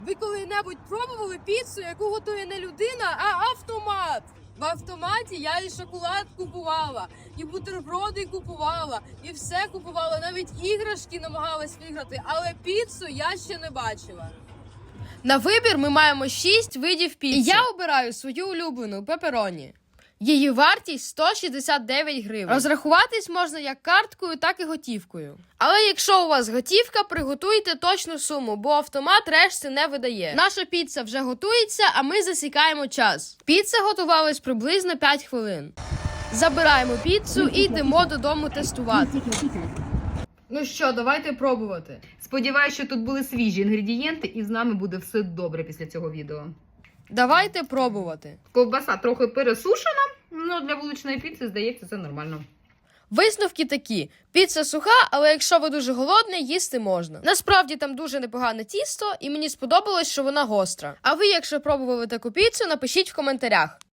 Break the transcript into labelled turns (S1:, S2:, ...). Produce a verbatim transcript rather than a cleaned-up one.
S1: Ви коли-небудь пробували піцу, яку готує не людина, а автомат? В автоматі я і шоколад купувала, і бутерброди купувала, і все купувала, навіть іграшки намагалась виграти, але піцу я ще не бачила. На вибір ми маємо шість видів піци. І я обираю свою улюблену пепероні. Її вартість сто шістдесят дев'ять гривень. Розрахуватись можна як карткою, так і готівкою. Але якщо у вас готівка, приготуйте точну суму, бо автомат решти не видає. Наша піца вже готується, а ми засікаємо час. Піца готувалась приблизно п'ять хвилин. Забираємо піцу і йдемо додому тестувати. Ну що, давайте пробувати.
S2: Сподіваюсь, що тут були свіжі інгредієнти і з нами буде все добре після цього відео.
S1: Давайте пробувати.
S2: Ковбаса трохи пересушена, але для вуличної піци, здається, це нормально.
S1: Висновки такі. Піца суха, але якщо ви дуже голодний, їсти можна. Насправді там дуже непогане тісто, і мені сподобалось, що вона гостра. А ви, якщо пробували таку піцу, напишіть в коментарях.